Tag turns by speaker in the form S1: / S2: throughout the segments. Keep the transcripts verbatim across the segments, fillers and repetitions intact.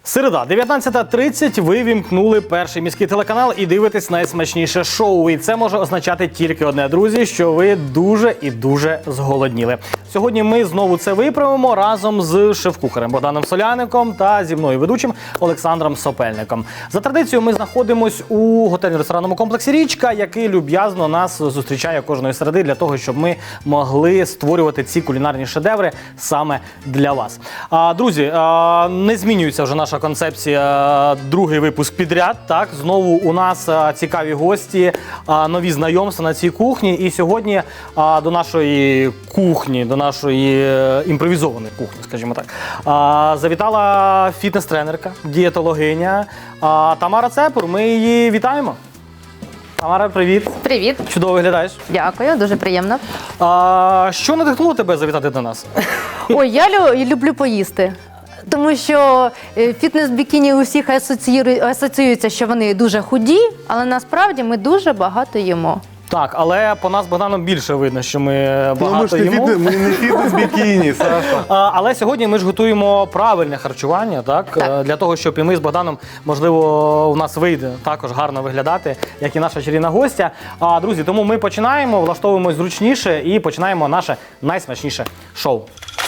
S1: Середа, дев'ятнадцята тридцять, ви вімкнули перший міський телеканал і дивитесь найсмачніше шоу. І це може означати тільки одне, друзі, що ви дуже і дуже зголодніли. Сьогодні ми знову це виправимо разом з шеф-кухарем Богданом Соляником та зі мною ведучим Олександром Сопельником. За традицією ми знаходимось у готельно-ресторанному комплексі «Річка», який люб'язно нас зустрічає кожної середи для того, щоб ми могли створювати ці кулінарні шедеври саме для вас. А, друзі, а, не змінюється вже наша концепція, другий випуск підряд. Так, знову у нас а, цікаві гості, а, нові знайомства на цій кухні. І сьогодні а, до нашої кухні, до нашої е, імпровізованої кухні, скажімо так, а, завітала фітнес-тренерка, дієтологиня а, Тамара Цепур. Ми її вітаємо. Тамара, привіт.
S2: Привіт.
S1: Чудово виглядаєш.
S2: Дякую, дуже приємно.
S1: А, що надихнуло тебе завітати до нас?
S2: Ой, я лю- люблю поїсти. Тому що е, фітнес-бікіні у всіх асоціює- асоціюється, що вони дуже худі, але насправді ми дуже багато їмо.
S1: Так, але по нас з Богданом більше видно, що ми
S3: Ну, ми
S1: багато
S3: ж не
S1: їмо.
S3: фітнес, ми не фітнес-бікіні, Саша.
S1: А, але сьогодні ми ж готуємо правильне харчування, так?
S2: Так.
S1: Е, для того, щоб і ми з Богданом, можливо, у нас вийде також гарно виглядати, як і наша чарівна гостя. А, друзі, тому ми починаємо, влаштовуємось зручніше і починаємо наше найсмачніше шоу.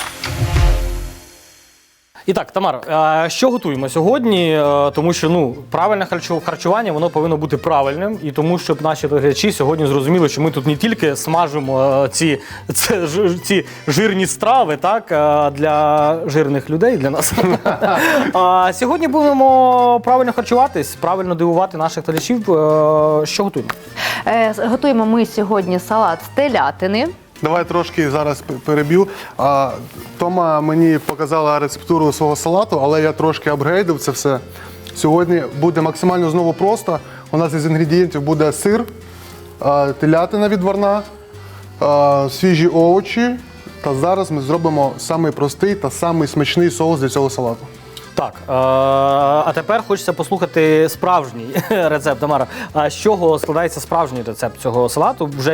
S1: І так, Тамар, е, що готуємо сьогодні? Е, Тому що ну, правильне харчу- харчування, воно повинно бути правильним. І тому, щоб наші глядачі сьогодні зрозуміли, що ми тут не тільки смажимо е, ці, це, жи- ці жирні страви, так, е, для жирних людей, для нас. А сьогодні будемо правильно харчуватись, правильно дивувати наших глядачів. Е, Що готуємо?
S2: Е, с- готуємо ми сьогодні салат з телятини.
S3: Давай трошки зараз п- переб'ю. А, Тома мені показала рецептуру свого салату, але я трошки апгрейдив це все. Сьогодні буде максимально знову просто. У нас із інгредієнтів буде сир, а, телятина відварна, а, свіжі овочі. Та зараз ми зробимо самий простий та самий смачний соус для цього салату.
S1: Так, е, а тепер хочеться послухати справжній рецепт, Тамара. А з чого складається справжній рецепт цього салату? Вже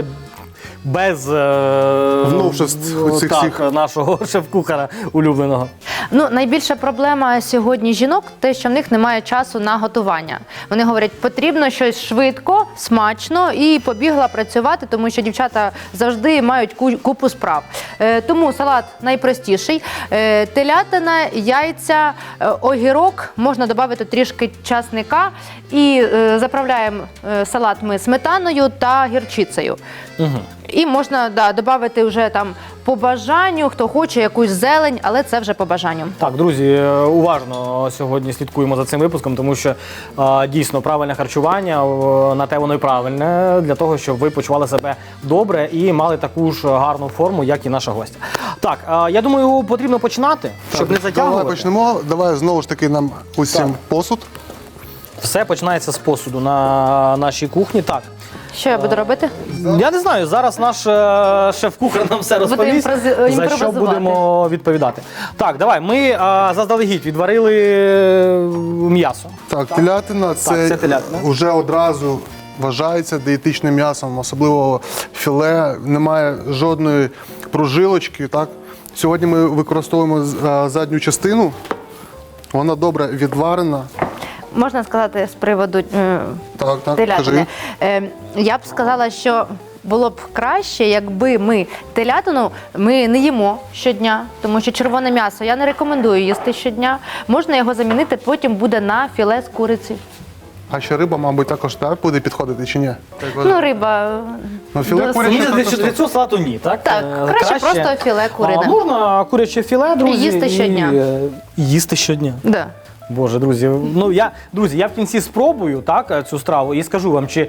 S1: без е,
S3: Новшеств цих
S1: так,
S3: всіх.
S1: нашого шеф-кухара улюбленого.
S2: Ну, найбільша проблема сьогодні жінок – те, що в них немає часу на готування. Вони говорять, потрібно щось швидко, смачно і побігла працювати, тому що дівчата завжди мають ку- купу справ. Е, тому салат найпростіший. Е, телятина, яйця, е, огірок, можна додати трішки часника і е, заправляємо е, салат ми сметаною та гірчицею.
S1: Угу.
S2: І можна да, додати вже там по бажанню, хто хоче якусь зелень, але це вже по бажанню.
S1: Так, друзі, е, уважно сьогодні слідкуємо за цим випуском, тому що е, дійсно правильне харчування, е, на те воно і правильне, для того, щоб ви почували себе добре і мали таку ж гарну форму, як і наша гостя. Так, е, я думаю, потрібно починати, щоб не затягувати.
S3: Давай почнемо. Давай знову ж таки нам усім
S1: Так.
S3: посуд.
S1: Все починається з посуду на нашій кухні. Так.
S2: Що я буду робити?
S1: Я не знаю, зараз наш е, шеф-кухар нам все розповість,
S2: імпрози-
S1: за що
S2: імпровизувати.
S1: будемо відповідати. Так, давай, ми е, заздалегідь відварили е, м'ясо.
S3: Так, телятина це,
S1: це телятина.
S3: вже одразу вважається дієтичним м'ясом, особливо філе, немає жодної прожилочки. Так? Сьогодні ми використовуємо з- а, задню частину, вона добре відварена.
S2: Можна сказати з приводу е,
S3: Так, так,
S2: телятини.
S3: кажи.
S2: Е, я б сказала, що було б краще, якби ми телятину ми не їмо щодня, тому що червоне м'ясо я не рекомендую їсти щодня. Можна його замінити, потім буде на філе з куриці.
S3: А ще риба, мабуть, також так буде підходити чи ні?
S2: Ну, риба.
S3: Ну, філе
S2: досить-
S3: куряче
S1: Ні, для,
S3: також
S1: для цього салату ні, так?
S2: Так,
S1: Е,
S2: краще просто філе курине.
S1: А можна куряче філе, друзі,
S2: їсти щодня.
S1: І, е, їсти щодня.
S2: Да.
S1: Боже, друзі, ну я, друзі, я в кінці спробую так, цю страву і скажу вам, чи,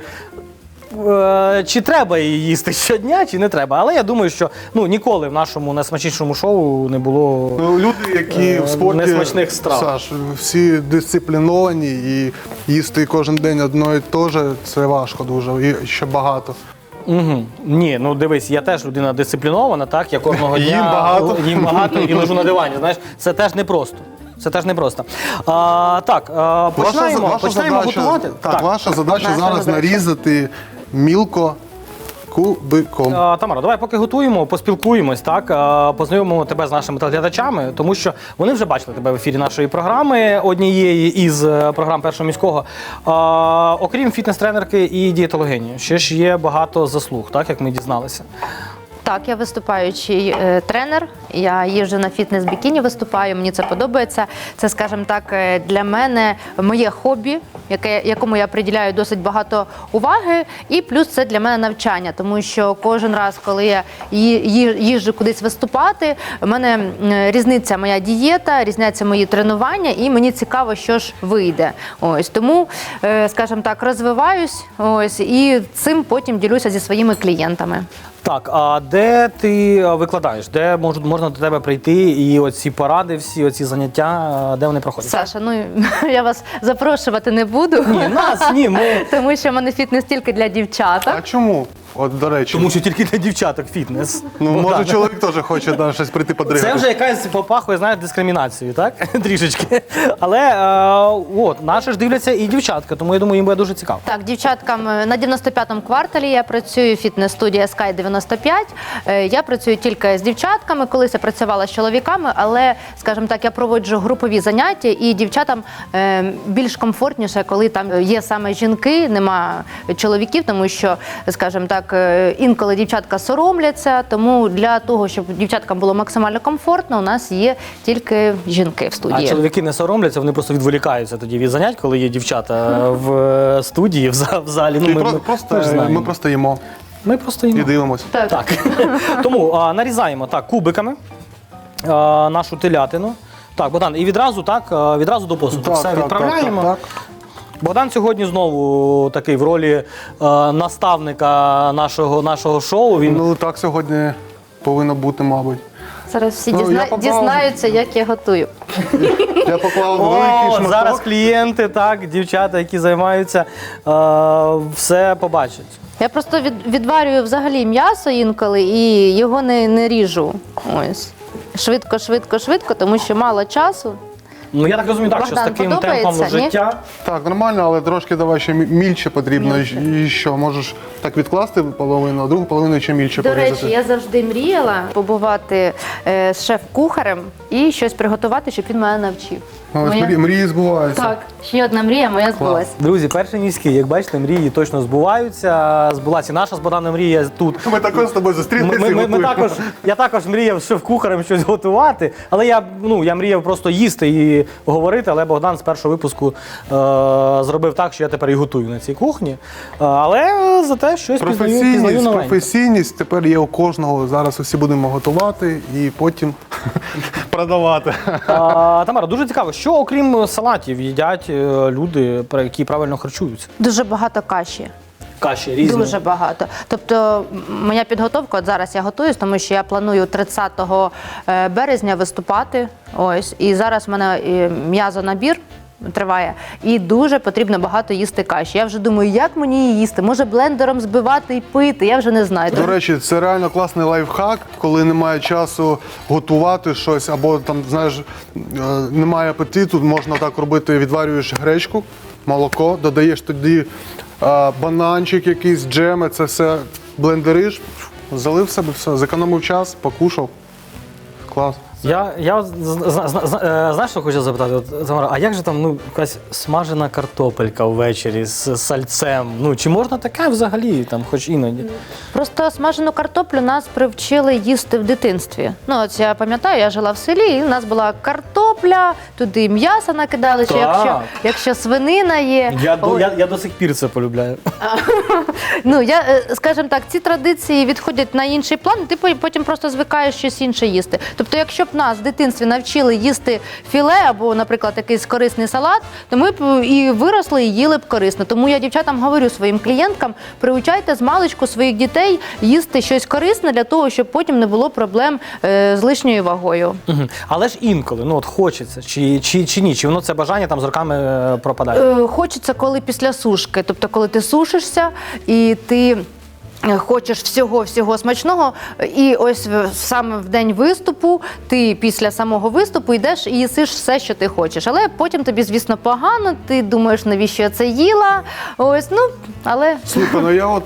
S1: е, чи треба її їсти щодня, чи не треба. Але я думаю, що ну, ніколи в нашому найсмачнішому шоу не було.
S3: Ну, люди, які
S1: Е,
S3: в спорті,
S1: несмачних страв.
S3: Саш, всі дисципліновані і їсти кожен день одно і те ж, це важко дуже, і ще багато.
S1: Угу. Ні, ну дивись, я теж людина дисциплінована, так, я кожного дня
S3: Їм багато.
S1: їм багато і лежу на дивані. Знаєш, це теж непросто. Це теж непросто. А, так, а, починаємо,
S3: ваша
S1: починаємо
S3: задача,
S1: готувати.
S3: Так, ваша задача
S2: Наша
S3: зараз
S2: задача.
S3: нарізати мілко кубиком.
S1: А, Тамара, давай поки готуємо, поспілкуємось, так, а, познайомимо тебе з нашими телеглядачами, тому що вони вже бачили тебе в ефірі нашої програми, однієї із е, програм Першого міського. А, окрім фітнес-тренерки і дієтологині, ще ж є багато заслуг, так, як ми дізналися.
S2: Так, я виступаючий е, тренер. Я їжджу на фітнес-бікіні, виступаю. Мені це подобається. Це, скажімо так, е, для мене моє хобі, яке, якому я приділяю досить багато уваги. І плюс це для мене навчання, тому що кожен раз, коли я ї- ї- їжджу кудись виступати, в мене м, різниця моя дієта, різняться мої тренування, і мені цікаво, що ж вийде. Ось тому, е, скажімо так, розвиваюсь. Ось і цим потім ділюся зі своїми клієнтами.
S1: Так, а де ти викладаєш? Де мож- можна до тебе прийти і оці поради, всі оці заняття, де вони проходять?
S2: Саша, ну я вас запрошувати не буду.
S1: Ні, нас, ні, ми...
S2: Тому що в мене фітнес тільки для
S3: А
S2: дівчаток.
S3: чому? От, до речі,
S1: Тому що тільки для дівчаток фітнес.
S3: ну,
S1: Богдан.
S3: може чоловік теж хоче да, щось прийти подригати.
S1: Це вже якась попахує, знаєш, дискримінацією, так? Трішечки. Але е, от, наші ж дивляться і дівчатка, тому я думаю, їм буде дуже цікаво.
S2: Так, дівчаткам е, на дев'яносто п'ятому кварталі я працюю в фітнес-студії Sky дев'яносто п'ять. Е, Я працюю тільки з дівчатками, колись я працювала з чоловіками, але, скажімо так, я проводжу групові заняття, і дівчатам е, більш комфортніше, коли там є саме жінки, нема чоловіків, тому що, скажімо так, е, інколи дівчатка соромляться, тому для того, щоб дівчаткам було максимально комфортно, у нас є тільки жінки в
S1: А
S2: студії.
S1: чоловіки не соромляться, вони просто відволікаються тоді від занять, коли є дівчата в е, студії, в за- в залі. Ну,
S3: І
S1: ми,
S3: про-
S1: ми,
S3: просто,
S1: ми ж знаємо.
S3: ми просто їмо
S1: Ми просто
S3: і
S1: їмо.
S3: дивимося.
S2: Так.
S1: Так. Тому а, нарізаємо так кубиками а, нашу телятину. Так, Богдан, і відразу так, а, відразу до посуду. Все відправляємо.
S3: Так, так, так.
S1: Богдан сьогодні знову такий в ролі а, наставника нашого, нашого шоу. Він
S3: Ну так сьогодні повинно бути, мабуть.
S2: Зараз всі
S3: Ну, я
S2: дізна...
S3: попав-
S2: дізнаються, як я готую.
S3: Я поклав
S1: О,
S3: великий шматок.
S1: зараз клієнти, так, дівчата, які займаються, а, все побачать.
S2: Я просто від, відварюю взагалі м'ясо інколи і його не, не ріжу. Ось. Швидко, швидко, швидко, тому що мало часу.
S1: Ну я так розумію, так, що з
S2: Богдан,
S1: таким
S2: подобається,
S1: темпом
S2: ні?
S1: життя.
S3: Так, нормально, але трошки давай ще мі- мільче потрібно. І що, можеш так відкласти половину, а другу половину ще мільче
S2: До
S3: порізати.
S2: речі, я завжди мріяла побувати е, з шеф-кухарем і щось приготувати, щоб він мене навчив.
S3: Ну, ось
S2: Моя-
S3: мрії, мрії збуваються.
S2: Так, ще одна мрія моя збулась.
S1: Друзі, перший міський, як бачите, мрії точно збуваються. Збулася і наша з Богданом мрія тут.
S3: Ми також з тобою
S1: Ми,
S3: зустрілися
S1: ми,
S3: і
S1: ми, ми
S3: готуємо.
S1: також, я також мріяв шеф-кухарем щось готувати, але я, ну, я мріяв просто їсти і говорити, але Богдан з першого випуску е, зробив так, що я тепер і готую на цій кухні. Е, але зате щось пізнаю, пізнаю
S3: Професійність,
S1: новеньке.
S3: професійність тепер є у кожного. Зараз усі будемо готувати і потім продавати.
S1: А, Тамара, дуже цікаво, що окрім салатів їдять е, люди, про- які правильно харчуються?
S2: Дуже багато каші.
S1: Каші різні.
S2: Дуже багато. Тобто м, моя підготовка, от зараз я готуюсь, тому що я планую тридцятого березня виступати. Ось. І зараз в мене е, м'язонабір триває. І дуже потрібно багато їсти каші. Я вже думаю, як мені її їсти? Може блендером збивати і пити? Я вже не знаю.
S3: До речі, це реально класний лайфхак, коли немає часу готувати щось, або там, знаєш, е, немає апетиту, можна так робити, відварюєш гречку, молоко, додаєш тоді е, бананчик якийсь, джеми, це все блендериш, залив себе, все, зекономив час, покушав. Клас.
S1: Я, я з- з- з- з- е, знаєш, що хочу запитати? От, Тамара, а як же там ну, якась смажена картопелька ввечері з сальцем? Ну, чи можна таке взагалі, там, хоч іноді?
S2: Просто смажену картоплю нас привчили їсти в дитинстві. Ну, от я пам'ятаю, я жила в селі, і в нас була картопля, туди м'ясо накидали, чи
S1: Так.
S2: якщо, якщо свинина є.
S1: Я, до,
S2: Ой,
S1: я, я до сих пір це полюбляю.
S2: Ну, я, е, скажімо так, ці традиції відходять на інший план, і ти по- потім просто звикаєш щось інше їсти. Тобто, якщо б нас в дитинстві навчили їсти філе або, наприклад, якийсь корисний салат, то ми б і виросли, і їли б корисно. Тому я дівчатам говорю своїм клієнткам, приучайте з маличку своїх дітей їсти щось корисне для того, щоб потім не було проблем е, з лишньою вагою.
S1: Мгм. Але ж інколи, ну от хочеться, чи, чи, чи ні, чи воно це бажання там з роками е, пропадає?
S2: Е, Хочеться, коли після сушки, тобто коли ти сушишся і ти е, хочеш всього-всього смачного, і ось в- саме в день виступу ти після самого виступу йдеш і їсиш все, що ти хочеш. Але потім тобі, звісно, погано, ти думаєш, навіщо я це їла. Ось, ну, але
S3: Слухай, ну я от так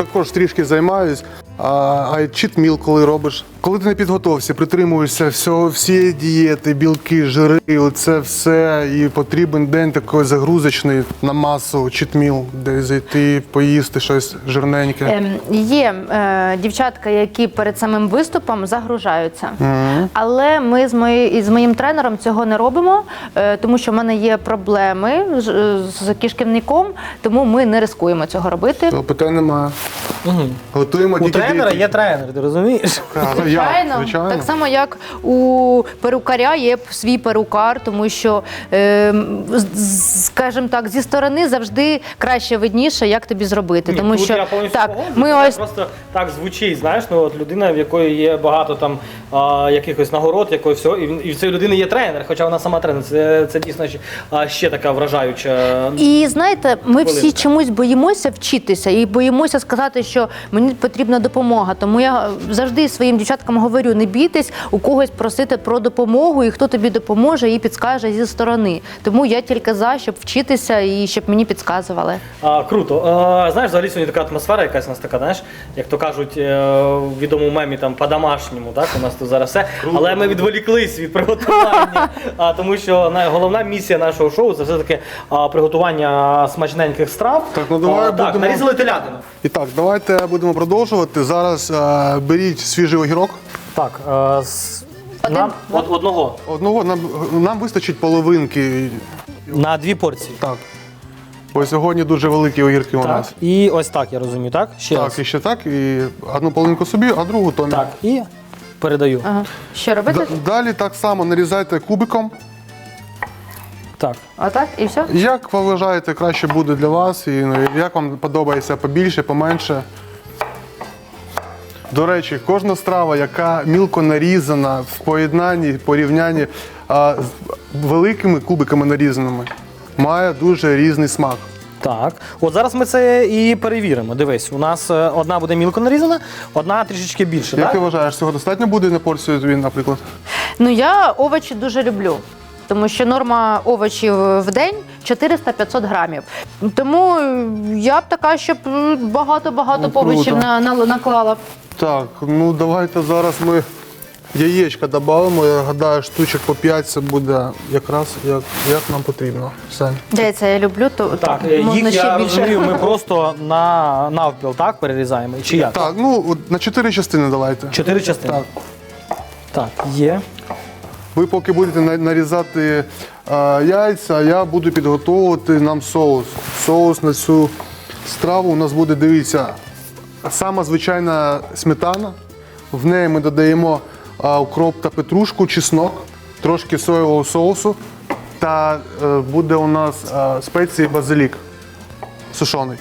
S3: також трішки займаюсь. А, а читміл, коли робиш. Коли ти на підготовці, притримуєшся всього, всієї дієти, білки, жири, оце все, і потрібен день такий загрузочний на масу, читміл, де зайти, поїсти щось жирненьке.
S2: Ем, Є е, дівчатка, які перед самим виступом загружаються.
S3: Мгм.
S2: Але ми з, мої, із моїм тренером цього не робимо, е, тому що в мене є проблеми з, з кишківником, тому ми не ризикуємо цього робити.
S3: То питань немає. Готуємо
S1: У
S3: тільки
S1: тренера
S3: дієти.
S1: є тренер, ти розумієш?
S3: А, ну, я,
S2: Звичайно,
S3: звичайно.
S2: так само як у перукаря є свій перукар, тому що, е, з- скажімо так, зі сторони завжди краще видніше, як тобі зробити.
S1: Ні,
S2: тому
S1: тут
S2: що
S1: я повністю
S2: так,
S1: погоджуюсь,
S2: ми
S1: це
S2: ось
S1: просто так звучить, знаєш, ну от людина, в якої є багато там а, якихось нагород, якої всього, і, він- і в цієї людини є тренер, хоча вона сама тренер. Це, це дійсно ще, а, ще така вражаюча.
S2: І знаєте, ми всі
S1: Хвилинка.
S2: чомусь боїмося вчитися і боїмося сказати, що мені потрібна допомога. Тому я завжди своїм дівчаткам говорю: не бійтесь у когось просити про допомогу, і хто тобі допоможе і підскаже зі сторони. Тому я тільки за, щоб вчитися і щоб мені підказували.
S1: А, круто. А, знаєш, взагалі сьогодні така атмосфера якась у нас така, знаєш, як то кажуть е, в відомому мемі там по-домашньому, так, у нас тут зараз все. Але ми відволіклись від приготування, а, тому що на- головна місія нашого шоу це все-таки а, приготування смачненьких страв.
S3: Так, ну давай
S1: а, так,
S3: будемо-
S1: нарізали телятину.
S3: І так, давайте будемо продовжувати. Зараз е, беріть свіжий огірок.
S1: Так, е, з-
S2: Один?
S1: нам од, одного
S3: Одного нам, нам вистачить половинки.
S1: на дві порції.
S3: Так. Бо сьогодні дуже великі огірки у
S1: Так.
S3: нас.
S1: І ось так, я розумію, так? Ще
S3: Так,
S1: раз.
S3: і ще так. І одну половинку собі, а другу Томі.
S1: Так, і передаю.
S2: Ага. Що робити?
S3: Д- Далі так само нарізайте кубиком.
S1: Так.
S2: Отак і все?
S3: Як ви вважаєте, краще буде для вас, і ну, як вам подобається побільше, поменше. До речі, кожна страва, яка мілко нарізана в поєднанні, порівнянні а, з великими кубиками нарізаними, має дуже різний смак.
S1: Так, от зараз ми це і перевіримо. Дивись, у нас е, одна буде мілко нарізана, одна трішечки більше.
S3: Як
S1: так?
S3: ти вважаєш, цього достатньо буде на порцію тобі, наприклад?
S2: Ну я овочі дуже люблю. Тому що норма овочів в день чотириста-п'ятсот грамів. Тому я б така, щоб багато-багато
S3: Ну, круто.
S2: овочів на, на, наклала.
S3: Так, ну давайте зараз ми яєчка додамо. Я гадаю, штучок по п'ять це буде якраз як, як нам потрібно. Все.
S2: Яйця я люблю, то
S1: Так,
S2: то
S1: е,
S2: можна
S1: їх,
S2: ще
S1: я
S2: більше.
S1: розумію, ми просто на навпіл, так, перерізаємо? Чи як?
S3: Так, ну от на чотири частини давайте.
S1: Чотири частини.
S3: Так.
S1: Так, є.
S3: Ви поки будете на- нарізати е, яйця, а я буду підготовувати нам соус. Соус на цю страву у нас буде, дивіться, сама звичайна сметана. В неї ми додаємо е, укроп та петрушку, чеснок, трошки соєвого соусу. Та е, буде у нас е, спеції базилік сушений.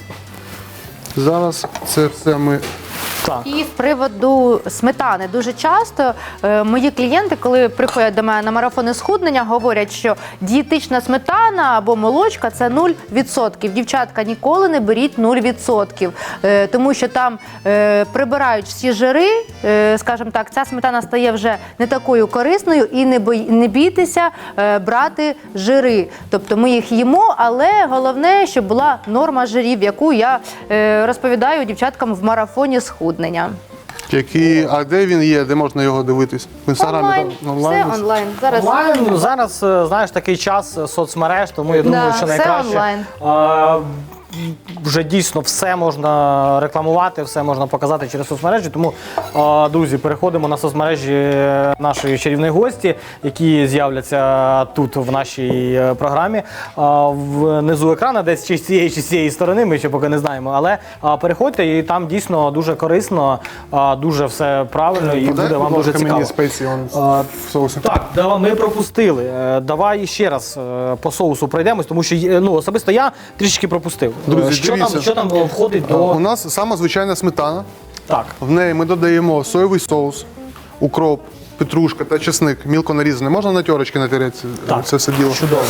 S3: Зараз це все ми.
S1: Так.
S2: І з приводу сметани дуже часто е, мої клієнти, коли приходять до мене на марафони схуднення, говорять, що дієтична сметана або молочка це нуль відсотків. Дівчатка, ніколи не беріть нуль відсотків, е, тому що там е, прибирають всі жири, е, скажімо так, ця сметана стає вже не такою корисною, і не, бой, не бійтеся е, брати жири. Тобто ми їх їмо, але головне, щоб була норма жирів, яку я е, розповідаю дівчаткам в марафоні схуднення.
S3: Які, а де він є, де можна його дивитись? В інстаграмі?
S2: Онлайн,
S3: там,
S2: все онлайн. Зараз
S1: Онлайн, зараз, е, знаєш, такий час е, соцмереж, тому я думаю,
S2: Да,
S1: що
S2: все
S1: найкраще.
S2: онлайн.
S1: е, Вже дійсно все можна рекламувати, все можна показати через соцмережі. Тому, е, друзі, переходимо на соцмережі нашої чарівної гості, які з'являться тут в нашій е, програмі. Е, Внизу екрану, десь чи з цієї, чи з цієї сторони, ми ще поки не знаємо. Але е, переходьте, і там дійсно дуже корисно, е, дуже все правильно і
S3: Подай,
S1: буде вам
S3: будь
S1: дуже
S3: ласка,
S1: цікаво.
S3: мені спеції он,
S1: А,
S3: в соусі.
S1: Так, да, ми пропустили. Е, Давай ще раз е, по соусу пройдемось, тому що є- ну, особисто я трішки пропустив.
S3: Друзі,
S1: Е, що,
S3: дивіться.
S1: там, що там входить до.
S3: У нас сама звичайна сметана.
S1: Так.
S3: В неї ми додаємо соєвий соус, укроп, петрушка та чесник, мілко нарізаний. Можна на терочки натерети це-
S1: Так.
S3: це все діло.
S1: Чудово.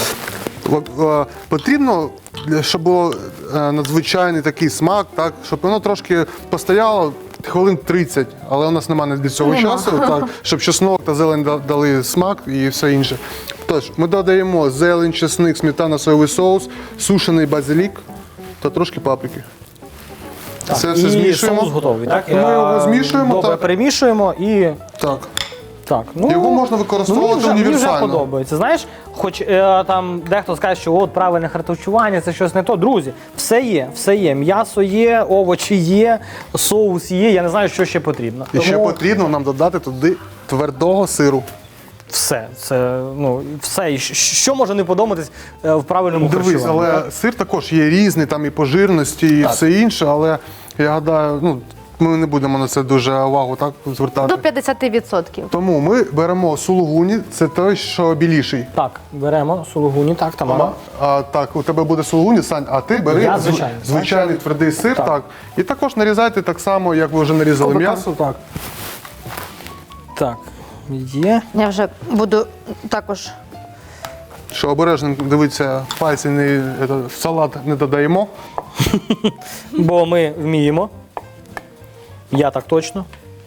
S3: Е, Потрібно, для- щоб було е, надзвичайний такий смак, так, щоб воно трошки постояло хвилин тридцять, але у нас немає для цього
S2: Нема.
S3: часу, так, щоб чеснок та зелень да- дали смак і все інше. Тож, ми додаємо зелень, чесник, сметана, соєвий соус, сушений базилік та трошки паприки. Це все
S1: І
S3: змішуємо.
S1: соус готовий, так?
S3: Ми його
S1: Е,
S3: змішуємо,
S1: Добре,
S3: так.
S1: перемішуємо і
S3: Так.
S1: так. Ну,
S3: Його можна використовувати
S1: ну, мені вже,
S3: універсально.
S1: Мені вже подобається. Знаєш, хоч е, там дехто скаже, що от правильне харчування, це щось не то. Друзі, все є, все є. М'ясо є, овочі є, соус є. Я не знаю, що ще потрібно.
S3: І ще
S1: Тому
S3: потрібно нам додати туди твердого сиру.
S1: все, це ну все. І щ- що може не подобатись е, в правильному
S3: Дивись,
S1: харчуванні?
S3: але
S1: так?
S3: сир також є різний, там і по жирності, і
S1: Так.
S3: все інше, але я гадаю, ну, ми не будемо на це дуже увагу так, звертати.
S2: До п'ятдесят відсотків.
S3: Тому ми беремо сулугуні, це той, що біліший.
S1: Так, беремо сулугуні, так, Тамара.
S3: А, так, у тебе буде сулугуні, Сань, а ти бери
S1: Я
S3: зв-
S1: звичайний.
S3: звичайний твердий сир, так.
S1: Так.
S3: І також нарізайте так само, як ви вже нарізали
S1: Тобто,
S3: м'ясо.
S1: Так. Так, є.
S2: Я вже буду також.
S3: Що обережно дивіться, пальці не, это, в салат не додаємо.
S1: Бо ми вміємо. Я так точно.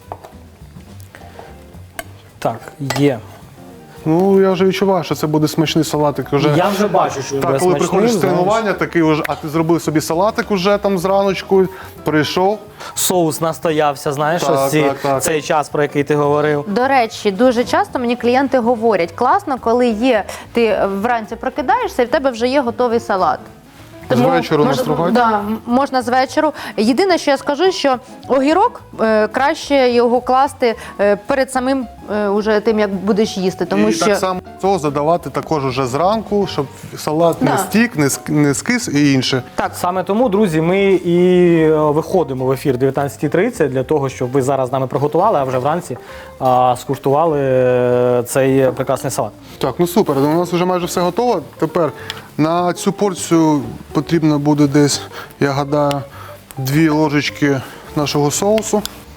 S1: Так, є.
S3: Ну, я вже відчуваю, що це буде смачний салатик. Уже.
S1: Я вже бачу, що він
S3: Так,
S1: буде
S3: коли
S1: смачним,
S3: приходиш з
S1: знаєш.
S3: тренування, такий уже, а ти зробив собі салатик уже там зраночку, прийшов.
S1: Соус настоявся, знаєш,
S3: Так,
S1: ось ці,
S3: так, так.
S1: цей час, про який ти говорив.
S2: До речі, дуже часто мені клієнти говорять, класно, коли є, ти вранці прокидаєшся і в тебе вже є готовий салат.
S3: З вечору
S2: мож-
S3: настругати?
S2: Да, можна з вечору. Єдине, що я скажу, що огірок е, краще його класти е, перед самим е, уже тим, як будеш їсти. Тому
S3: і
S2: що
S3: так само соус додавати також уже зранку, щоб салат
S2: Да.
S3: не стік, не, ск- не скис і інше.
S1: Так, саме тому, друзі, ми і е, виходимо в ефір дев'ятнадцята тридцять для того, щоб ви зараз з нами приготували, а вже вранці а, скуштували е, цей прекрасний салат.
S3: Так, ну супер, у нас вже майже все готово. Тепер на цю порцію потрібно буде десь, я гадаю, дві ложечки нашого соусу.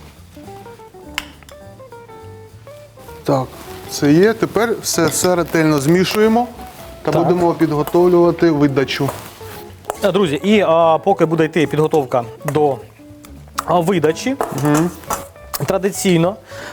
S3: Так, це є. Тепер все, все ретельно змішуємо та
S1: Так.
S3: будемо підготовлювати видачу.
S1: Е, Друзі, і а, поки буде йти підготовка до а, видачі, традиційно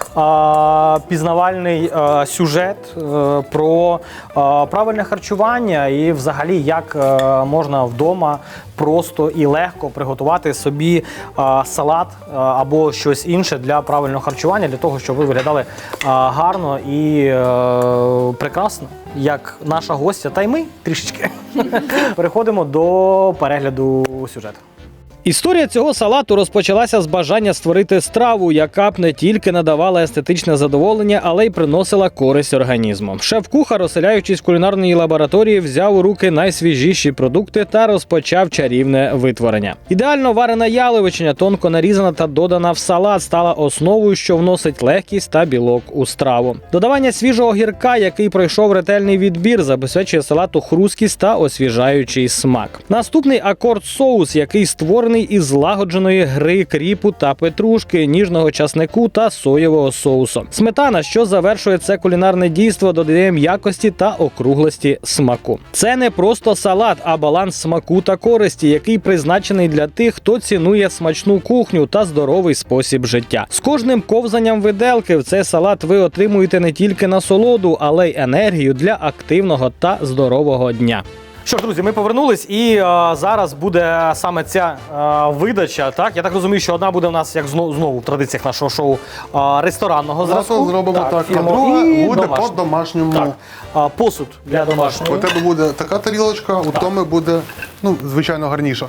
S1: а, пізнавальний а, сюжет е, про а, правильне харчування і взагалі як е, можна вдома просто і легко приготувати собі а, салат а, або щось інше для правильного харчування, для того, щоб ви виглядали а, гарно і е, прекрасно, як наша гостя, та й ми трішечки. Переходимо до перегляду сюжету. Історія цього салату розпочалася з бажання створити страву, яка б не тільки надавала естетичне задоволення, але й приносила користь організму. Шеф-кухар, оселяючись в кулінарній лабораторії, взяв у руки найсвіжіші продукти та розпочав чарівне витворення. Ідеально варена яловичина, тонко нарізана та додана в салат, стала основою, що вносить легкість та білок у страву. Додавання свіжого гірка, який пройшов ретельний відбір, забезпечує салату хрусткість та освіжаючий смак. Наступний акорд соус, який створений із злагодженої гри кріпу та петрушки, ніжного часнику та соєвого соусу. Сметана, що завершує це кулінарне дійство, додає м'якості та округлості смаку. Це не просто салат, а баланс смаку та користі, який призначений для тих, хто цінує смачну кухню та здоровий спосіб життя. З кожним ковзанням виделки в цей салат ви отримуєте не тільки насолоду, але й енергію для активного та здорового дня. Що ж, друзі, ми повернулись, і а, зараз буде саме ця а, видача. Так, я так розумію, що одна буде у нас, як знову, знову в традиціях нашого шоу, а, ресторанного зразку.
S3: Зразу зробимо так, а
S1: фірмового,
S3: друга
S1: і
S3: буде
S1: домашнього.
S3: по-домашньому.
S1: Так, а, посуд для
S3: У
S1: домашнього.
S3: тебе буде така тарілочка, у Томи буде, ну, звичайно, гарніша.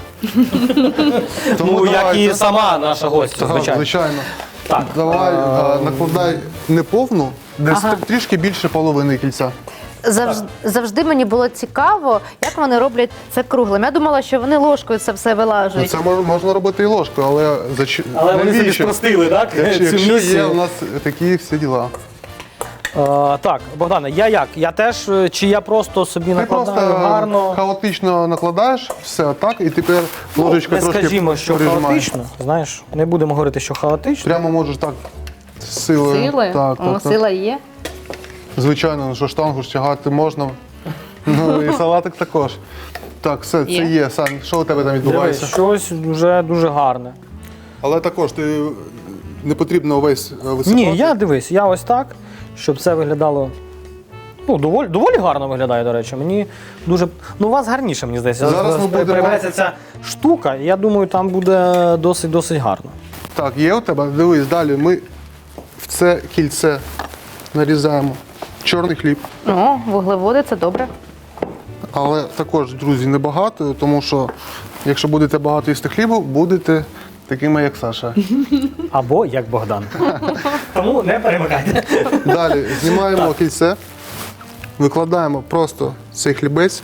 S1: Ну, як
S3: давайте.
S1: і сама наша гостя,
S3: Так,
S1: звичайно.
S3: звичайно.
S1: Так.
S3: Давай а, накладай не повну, десь трішки більше половини кільця.
S2: завжди, завжди мені було цікаво, як вони роблять це круглим. Я думала, що вони ложкою це все
S3: Ну,
S2: вилажують.
S3: це мож- можна робити і ложкою, але зач...
S1: Але вони собі
S3: навіщо?
S1: спростили, так?
S3: Якщо,
S1: цю
S3: якщо є
S1: місію.
S3: у нас такі всі діла.
S1: Е, так, Богдане, я як? Я теж, е, чи я просто собі
S3: Ти
S1: накладаю
S3: просто
S1: гарно?
S3: хаотично накладаєш все так, і тепер ложечка
S1: Не
S3: трошки
S1: скажімо, що
S3: прижимаєш.
S1: хаотично, знаєш, не будемо говорити, що хаотично.
S3: Прямо можеш так з силою.
S2: Сили?
S3: Так,
S2: О,
S3: так, так.
S2: сила є.
S3: Звичайно, ну що штангу ж тягати можна. Ну і салатик також. Так, все, це
S2: Є.
S3: є. Сань, що у тебе там
S1: Дивись,
S3: відбувається?
S1: щось вже дуже гарне.
S3: Але також ти не потрібно увесь е, висипати.
S1: Ні, я дивись, я ось так, щоб це виглядало Ну, доволі, доволі гарно виглядає, до речі. Мені дуже. Ну, у вас гарніше, мені здається.
S3: Зараз ми будемо-
S1: Появляється ця штука, і я думаю, там буде досить-досить гарно.
S3: Так, є у тебе? Дивись, далі ми в це кільце нарізаємо чорний хліб.
S2: О, вуглеводи, це добре.
S3: Але також, друзі, небагато, тому що якщо будете багато їсти хлібу, будете такими, як Саша.
S1: Або як Богдан. Тому не перемикайте.
S3: Далі знімаємо кільце, викладаємо просто цей хлібець.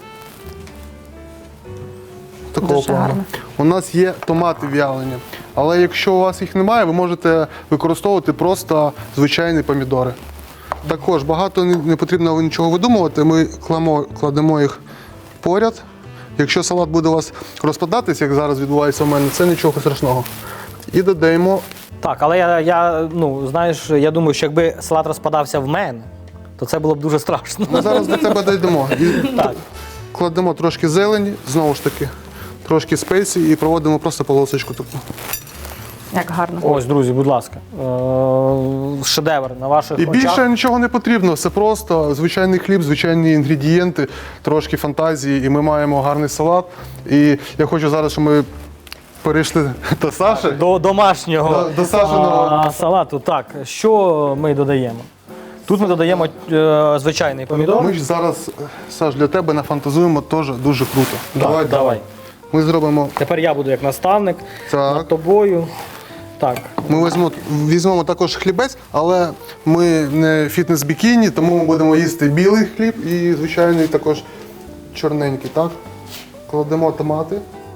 S3: Такого
S2: Дуже
S3: плану.
S2: гарно.
S3: У нас є томати в'ялені. Але якщо у вас їх немає, ви можете використовувати просто звичайні помідори. Також багато не не потрібно нічого видумувати. Ми кладемо, кладемо їх поряд. Якщо салат буде у вас розпадатись, як зараз відбувається у мене, це нічого страшного. І додаємо.
S1: Так, але я, я, ну, знаєш, я думаю, що якби салат розпадався в мене, то це було б дуже страшно.
S3: Ми зараз до тебе дійдемо. І
S1: Так.
S3: кладемо трошки зелені, знову ж таки, трошки спеції і проводимо просто полосочку таку.
S2: Як гарно.
S1: Ось, друзі, будь ласка. Е, Шедевр на ваших
S3: І
S1: очах.
S3: більше нічого не потрібно. Це просто звичайний хліб, звичайні інгредієнти, трошки фантазії, і ми маємо гарний салат. І я хочу зараз, щоб ми перейшли до Саші.
S1: До домашнього
S3: До- до Сашиного.
S1: а, салату. Так, що ми додаємо? Тут ми додаємо е, звичайний помідор.
S3: Ми ж зараз, Саш, для тебе нафантазуємо теж дуже круто.
S1: Так, давай.
S3: Ми зробимо.
S1: Тепер я буду як наставник
S3: Так.
S1: над тобою. Так.
S3: Ми візьмемо, візьмемо також хлібець, але ми не фітнес-бікіні, тому ми будемо їсти білий хліб і звичайний також чорненький. Так? Кладемо томати.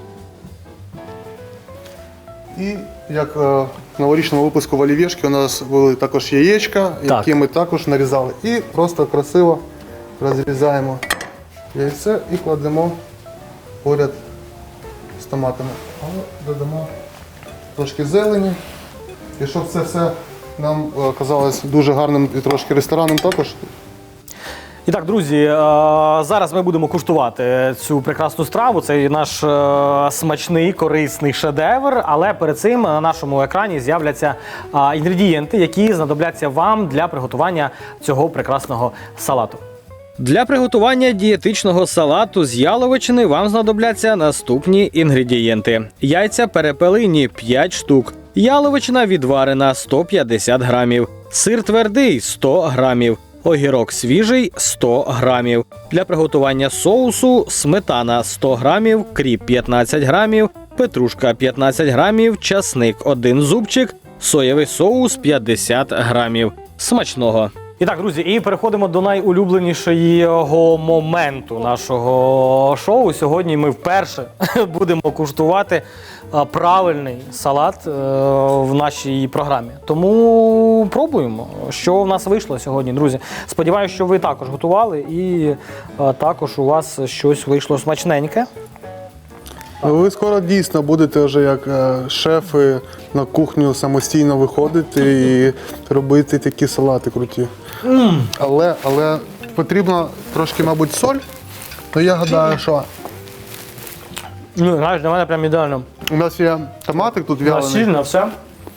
S3: І як е, в новорічному випуску в олівєшки у нас були також яєчка,
S1: Так.
S3: які ми також нарізали. І просто красиво розрізаємо яйце і кладемо поряд з томатами. Але додамо трошки зелені. І щоб це все нам е, казалось дуже гарним і трошки ресторанним також.
S1: І так, друзі, е, зараз ми будемо куштувати цю прекрасну страву. Це наш е, смачний, корисний шедевр. Але перед цим на нашому екрані з'являться е, інгредієнти, які знадобляться вам для приготування цього прекрасного салату. Для приготування дієтичного салату з яловичини вам знадобляться наступні інгредієнти: яйця перепелині п'ять штук, яловичина відварена сто п'ятдесят грамів, сир твердий сто грамів, огірок свіжий сто грамів. Для приготування соусу сметана сто грамів, кріп п'ятнадцять грамів, петрушка п'ятнадцять грамів, часник один зубчик, соєвий соус п'ятдесят грамів. Смачного! І так, друзі, і переходимо до найулюбленішого моменту нашого шоу. Сьогодні ми вперше будемо куштувати а, правильний салат е, в нашій програмі. Тому пробуємо, що в нас вийшло сьогодні, друзі. Сподіваюся, що ви також готували і а, також у вас щось вийшло смачненьке.
S3: Ви скоро дійсно будете вже як е, шефи на кухню самостійно виходити і робити такі салати круті.
S1: Mm.
S3: Але, але потрібно трошки, мабуть, соль. Ну я гадаю, що
S1: Ну, знаєш, для мене прям ідеально.
S3: у нас є томатик тут в'ялений.
S1: Насильно все.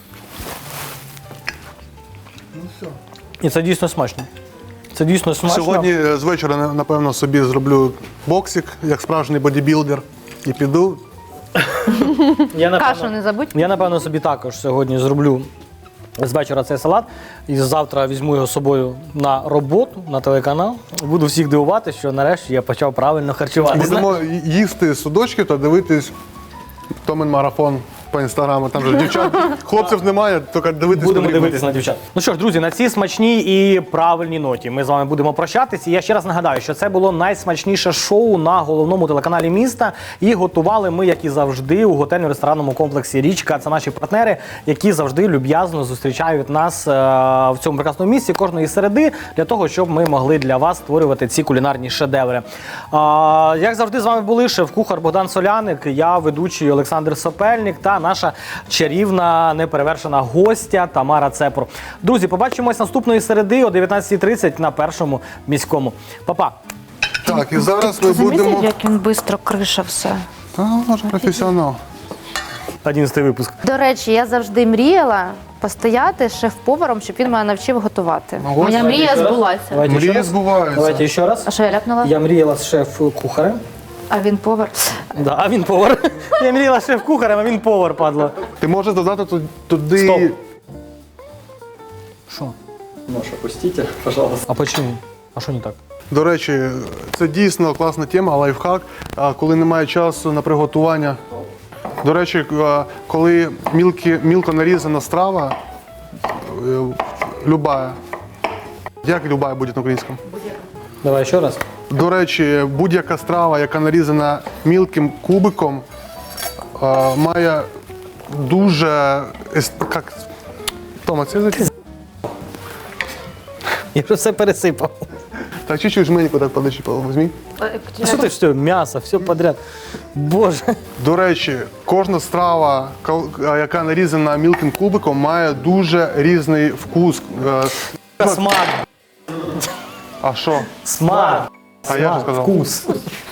S3: Ну, все.
S1: І це дійсно смачно. Це дійсно смачно.
S3: Сьогодні е, з вечора, на- напевно, собі зроблю боксик, як справжній бодібілдер, і піду.
S1: Я, напевно,
S2: Кашу не забудь.
S1: Я, напевно, собі також сьогодні зроблю з вечора цей салат. І завтра візьму його з собою на роботу, на телеканал. Буду всіх дивувати, що нарешті я почав правильно харчуватися.
S3: Будемо їсти судочки та дивитись Томин марафон по інстаграму. Там же дівчат, хлопців немає, тільки дивитись.
S1: Будемо
S3: потрібно.
S1: дивитися на дівчат. Ну що ж, друзі, на цій смачній і правильній ноті ми з вами будемо прощатися. І я ще раз нагадаю, що це було найсмачніше шоу на головному телеканалі міста. І готували ми, як і завжди, у готельно-ресторанному комплексі «Річка». Це наші партнери, які завжди люб'язно зустрічають нас е, в цьому прекрасному місці кожної середи, для того, щоб ми могли для вас створювати ці кулінарні шедеври. Е, як завжди, з вами були шеф-кухар Богдан Соляник, я ведучий Олександр Сопельник та наша чарівна, неперевершена гостя Тамара Цепур. Друзі, побачимось наступної середи о дев'ятнадцятій тридцять на Першому міському. Па-па!
S3: Так, і зараз ми
S2: Замітив,
S3: будемо.
S2: як він швидко криша все.
S3: Та, може, професіонал.
S1: одинадцятий випуск.
S2: До речі, я завжди мріяла постояти шеф-поваром, щоб він мене навчив готувати.
S3: Ну, ось.
S2: Моя мрія збулася.
S1: Давайте ще
S3: Мрії
S1: раз.
S3: збуваються.
S1: Давайте ще раз.
S2: А що я ляпнула?
S1: Я мріяла з шеф-кухарем.
S2: А він повар.
S1: Да, а він повар. Я мріяла з шеф-кухарем, а він повар, падло.
S3: Ти можеш додати ту- туди.
S1: Стоп. Що?
S4: Нож опустите, пожалуйста.
S1: А почему? А що не так?
S3: До речі, це дійсно класна тема, лайфхак, а, коли немає часу на приготування. До речі, а, коли мілкі, мілко нарізана страва, е, любая, як любая буде на українському?
S1: Давай ще раз.
S3: До речі, будь-яка страва, яка нарізана мілким кубиком, а, має дуже. ес- Як? Тома, це за
S1: Я вже все пересипав.
S3: Так чуть-чуть жменьку так подачи, візьми.
S1: А що ти все, м'ясо, все подряд. Боже.
S3: До речі, кожна страва, кол- яка нарізана мілким кубиком, має дуже різний вкус. Е,
S1: Смак.
S3: А що?
S1: Смак.
S3: А я ж сказав.
S1: Вкус.